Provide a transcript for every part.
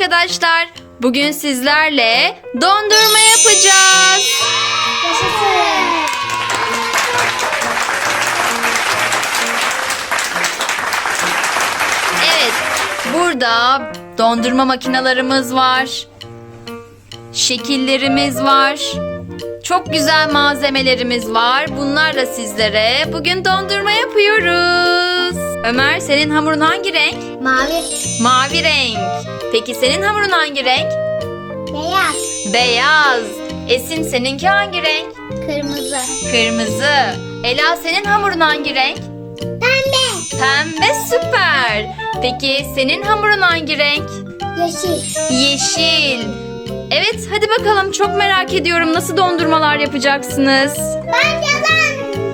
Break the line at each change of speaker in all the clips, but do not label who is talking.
arkadaşlar. Bugün sizlerle dondurma yapacağız.
Yaşasın.
Evet, burada dondurma makinelerimiz var. Şekillerimiz var. Çok güzel malzemelerimiz var. Bunlarla sizlere bugün dondurma yapıyoruz. Ömer, senin hamurun hangi renk?
Mavi.
Mavi renk. Peki senin hamurun hangi renk?
Beyaz.
Beyaz. Esin, seninki hangi renk?
Kırmızı.
Kırmızı. Ela, senin hamurun hangi renk?
Pembe.
Pembe, süper. Peki senin hamurun hangi renk?
Yeşil.
Yeşil. Evet, hadi bakalım, çok merak ediyorum, nasıl dondurmalar yapacaksınız?
Ben yalan.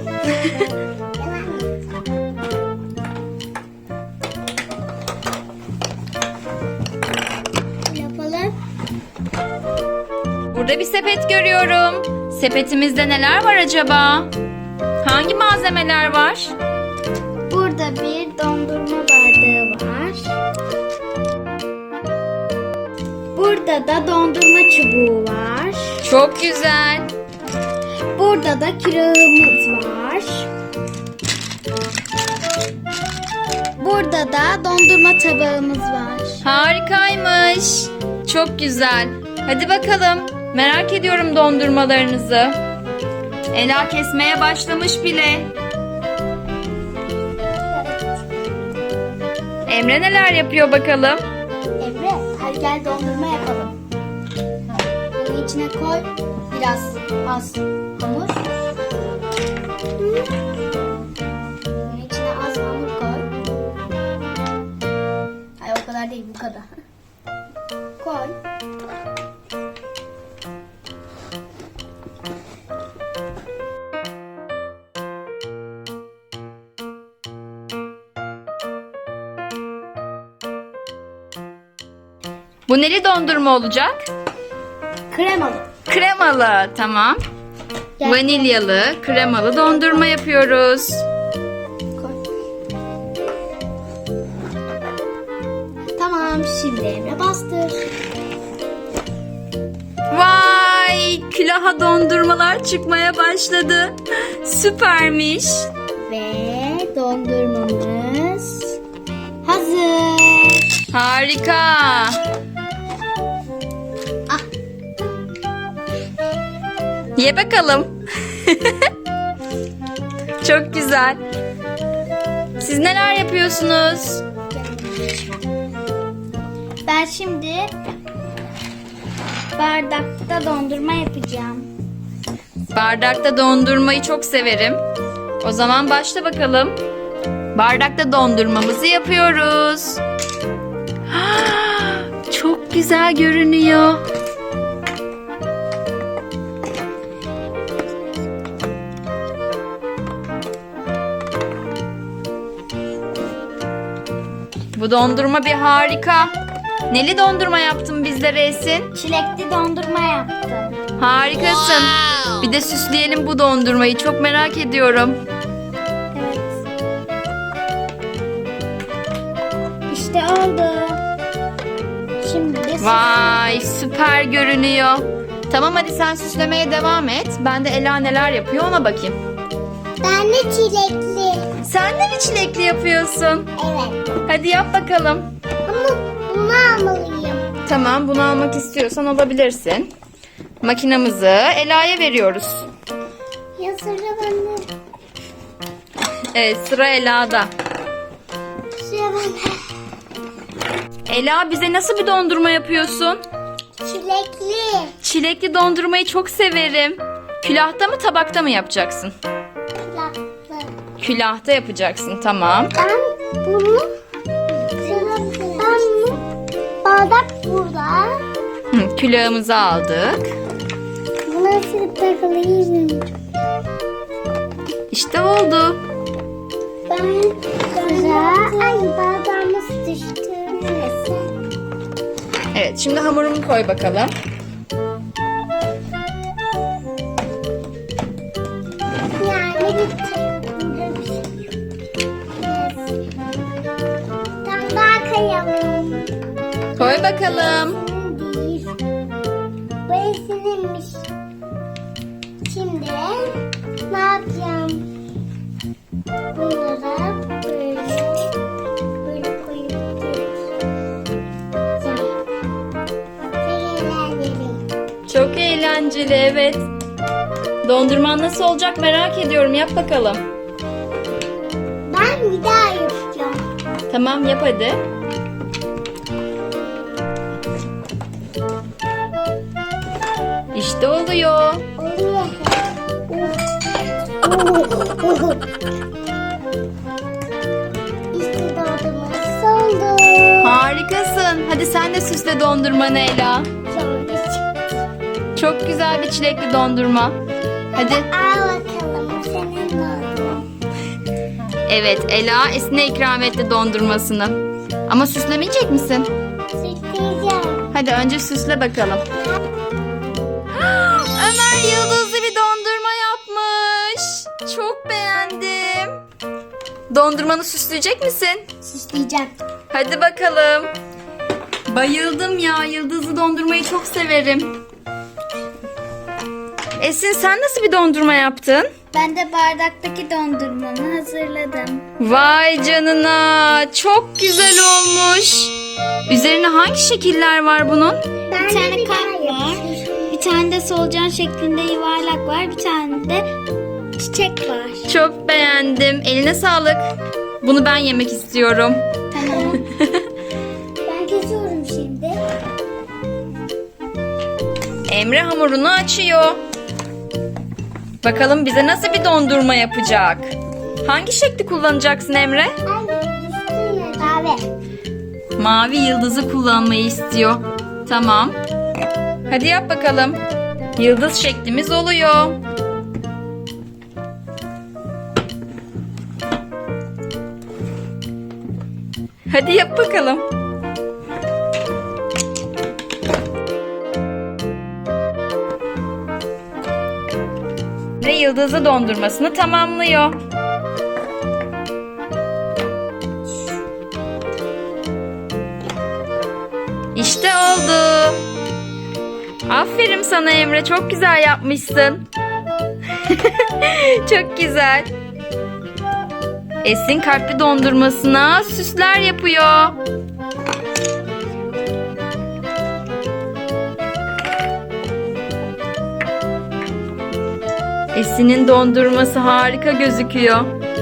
Yapalım.
Burada bir sepet görüyorum. Sepetimizde neler var acaba? Hangi malzemeler var?
Burada bir dondurma bardağı var. Burada da dondurma çubuğu var.
Çok güzel.
Burada da kirağımız var. Burada da dondurma tabağımız var.
Harikaymış. Çok güzel. Hadi bakalım. Merak ediyorum dondurmalarınızı. Ela kesmeye başlamış bile. Emre neler yapıyor bakalım?
Emre, hadi gel dondurma yapalım. Bunu içine koy. Biraz az hamur. Bunun içine az hamur koy. Hayır, o kadar değil, bu kadar. Koy.
Bu neli dondurma olacak?
Kremalı.
Kremalı, tamam.
Gel.
Vanilyalı, kremalı dondurma yapıyoruz.
Koy. Tamam, şimdi Emre bastır.
Vay! Külaha dondurmalar çıkmaya başladı. Süpermiş.
Ve dondurmamız hazır.
Harika.
Ah,
Ye bakalım. Çok güzel. Siz neler yapıyorsunuz?
ben şimdi bardakta dondurma yapacağım.
Bardakta dondurmayı çok severim. O zaman başla bakalım. Bardakta dondurmamızı yapıyoruz. Çok güzel görünüyor. Bu dondurma bir harika. Neli dondurma yaptın bizlere Esin?
Çilekli dondurma yaptım.
Harikasın. Bir de süsleyelim bu dondurmayı. Çok merak ediyorum.
Evet. İşte oldu. Şimdi de
Vay, süper görünüyor. Tamam, hadi sen süslemeye devam et. Ben de Ela neler yapıyor ona bakayım.
ben de çilekli.
Sen de mi çilekli yapıyorsun?
Evet.
Hadi yap bakalım.
Ama bunu almalıyım.
Tamam, bunu almak istiyorsan alabilirsin. Makinamızı Ela'ya veriyoruz.
Ya sıra bende.
Evet, sıra Ela'da.
Sıra bende.
Ela, bize nasıl bir dondurma yapıyorsun?
Çilekli.
Çilekli dondurmayı çok severim. Külahta mı, tabakta mı yapacaksın?
Kulaklı.
Külahta yapacaksın, tamam.
Ben bunu bardak burada.
Hı, külahımızı aldık.
Buna sürüp takılayım.
İşte oldu.
Ben ay bardağımız düştü. Neyse.
Evet, şimdi hamurumu koy bakalım.
Yani bitti. Tam daha kayalım.
Koy bakalım.
Senin değil. Bu Esin'inmiş. Şimdi ne yapacağım? Bunlara böyle koyup
Çok eğlenceli, evet. Dondurman nasıl olacak merak ediyorum. Yap bakalım.
Ben bir daha yapacağım.
Tamam, yap hadi. İşte oluyor.
Oluyor. İşte dondurması oldu.
Harikasın. Hadi sen de süsle dondurmanı Ela.
Sonra çıktı.
Çok güzel bir çilekli dondurma. Hadi.
Al bakalım senin dondurman.
Evet, Ela Esin'e ikram etti dondurmasını. Ama süslemeyecek misin?
Süsleyeceğim.
Hadi önce süsle bakalım. Ömer yıldızlı bir dondurma yapmış. Çok beğendim. Dondurmanı süsleyecek misin?
Süsleyeceğim.
Hadi bakalım. Bayıldım ya. Yıldızlı dondurmayı çok severim. Esin, sen nasıl bir dondurma yaptın?
Ben de bardaktaki dondurmamı hazırladım.
Vay canına. Çok güzel olmuş. Üzerine hangi şekiller var bunun?
Bir tane kalp var. Bir tane de solucan şeklinde yuvarlak var. Bir tane de çiçek var.
Çok beğendim. Eline sağlık. Bunu ben yemek istiyorum.
Tamam. Ben kesiyorum şimdi.
Emre hamurunu açıyor. Bakalım bize nasıl bir dondurma yapacak? Hangi şekli kullanacaksın Emre?
Ay düştü kahve.
Mavi yıldızı kullanmayı istiyor. Tamam. Hadi yap bakalım. Yıldız şeklimiz oluyor. Hadi yap bakalım. Ve yıldızlı dondurmasını tamamlıyor. İşte oldu. Aferin sana Emre. Çok güzel yapmışsın. Çok güzel. Esin kalpli dondurmasına süsler yapıyor. Esin'in dondurması harika gözüküyor.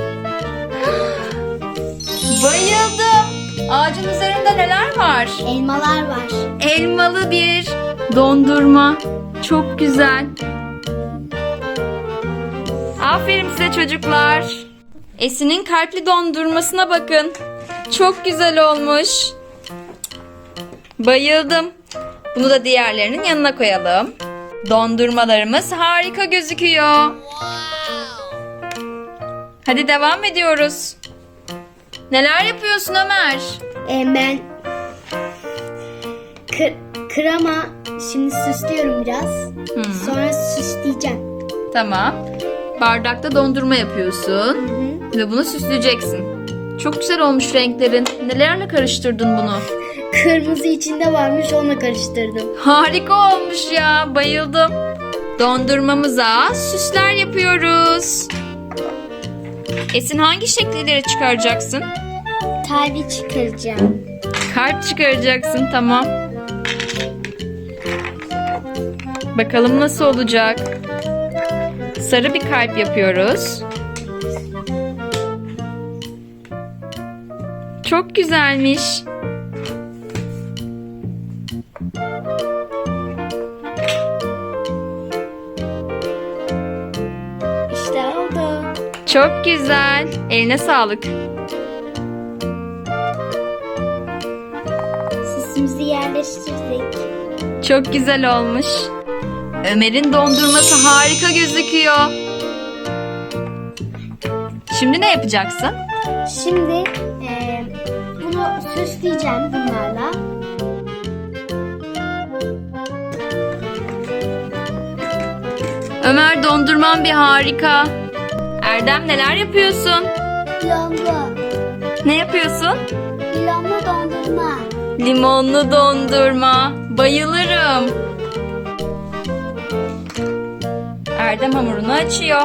Bayıldım. Ağacın üzerinde neler var?
Elmalar var.
Elmalı bir dondurma. Çok güzel. Aferin size çocuklar. Esin'in kalpli dondurmasına bakın. Çok güzel olmuş. Bayıldım. Bunu da diğerlerinin yanına koyalım. Dondurmalarımız harika gözüküyor. Hadi devam ediyoruz. Neler yapıyorsun Ömer?
Ben krema şimdi süslüyorum biraz. Sonra süsleyeceğim.
Tamam. Bardakta dondurma yapıyorsun. Ve bunu süsleyeceksin. Çok güzel olmuş renklerin. Nelerle karıştırdın bunu?
Kırmızı içinde varmış, onunla karıştırdım.
Harika olmuş ya. Bayıldım. Dondurmamıza süsler yapıyoruz. Esin, hangi şekilleri çıkaracaksın?
Kalbi çıkaracağım.
Kalp çıkaracaksın, tamam. Bakalım nasıl olacak? Sarı bir kalp yapıyoruz. Çok güzelmiş.
İşte oldu.
Çok güzel. Eline sağlık.
Süsümüzü yerleştirdik.
Çok güzel olmuş. Ömer'in dondurması harika gözüküyor. Şimdi ne yapacaksın?
Şimdi bunu süsleyeceğim bunlarla.
Ömer, dondurman bir harika. Erdem, neler yapıyorsun?
Lomlu.
Ne yapıyorsun?
Lomlu dondurma.
Limonlu dondurma. Bayılırım. Erdem hamurunu açıyor.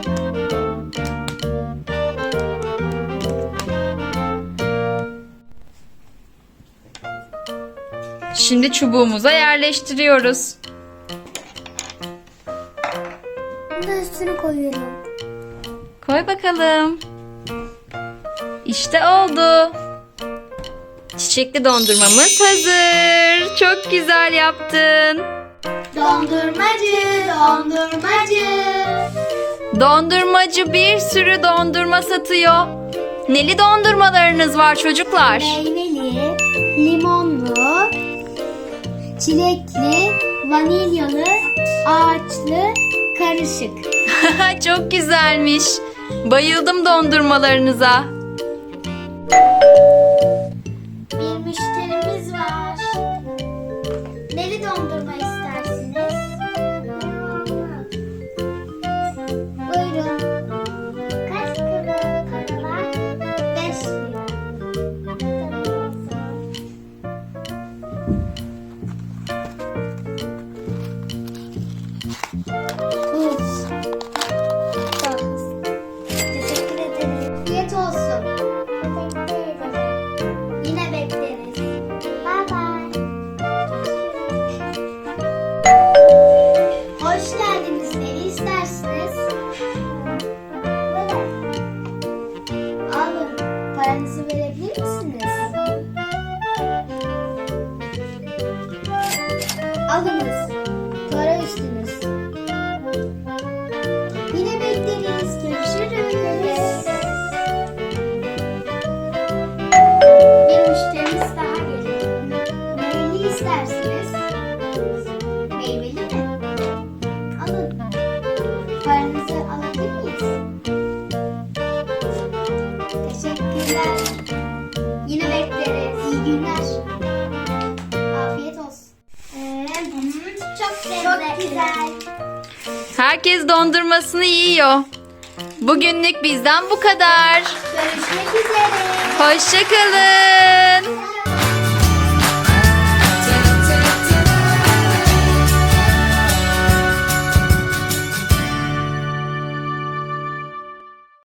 Şimdi çubuğumuza yerleştiriyoruz.
Bunu üstüne koyuyorum.
Koy bakalım. İşte oldu. Çiçekli dondurmamız hazır. Çok güzel yaptın.
Dondurmacı, dondurmacı.
Dondurmacı bir sürü dondurma satıyor. Neli dondurmalarınız var çocuklar?
Meyveli, limonlu, çilekli, vanilyalı, ağaçlı, karışık.
Çok güzelmiş. Bayıldım dondurmalarınıza.
Bir müşterimiz var. Neli dondurma istersiniz? Buyurun. Kaç para var? 5 lira. Buz. Teşekkür ederim. Afiyet olsun. Teşekkür ederim. Yine bekleriz. Bye bye. Hoş geldiniz. Ne istersiniz? Alın. Paranızı verebilir misiniz? Alınız. Para üstünüz. Yine bekleriz. Görüşürüz. Bir müşterimiz daha geliyor. Neyli istersiniz? Meyveli mi? Alın. Paranızı alabilir miyiz? Teşekkürler. Yine bekleriz. İyi günler. Afiyet olsun. Çok lezzetli. Çok güzel.
Herkes dondurmasını yiyor. Bugünlük bizden bu kadar.
Görüşmek üzere.
Hoşça kalın.